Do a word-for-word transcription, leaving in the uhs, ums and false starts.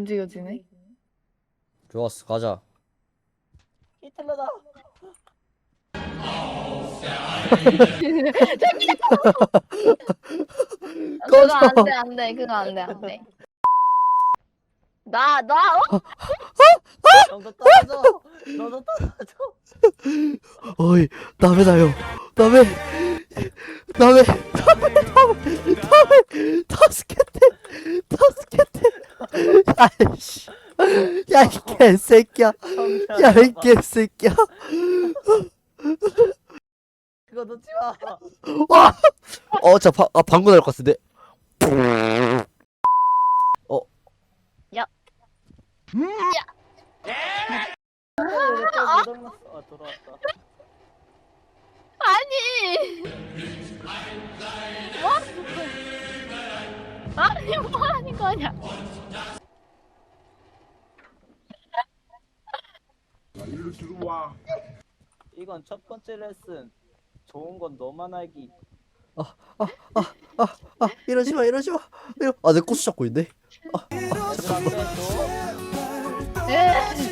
움직여지네. 좋았어, 가자. 히틀러다. 그거 안돼 안돼 그거 안돼 안돼. 나 나 어? 너도 떨어져. 너도 떨어져. 어이, 남의 나요. 남의, 남의, 남의, 남의, 남의, 타스켓테, 타스켓테. 야이씨. 야, 이 개새끼야. 야, 이 개새끼야. 그거 놓지 마. 와! 어, 자, 바, 아, 방구 날것 같은데. 어. 야. 아, 돌아왔다. 아니. 뭐? 아니 뭐 하는 거냐? 이건 첫 번째 레슨. 좋은 건 너만 알기. 아, 이러지 마, 이러지 마. 이러... 아, 내 고수 잡고 있네. 마지막 레슨. 에.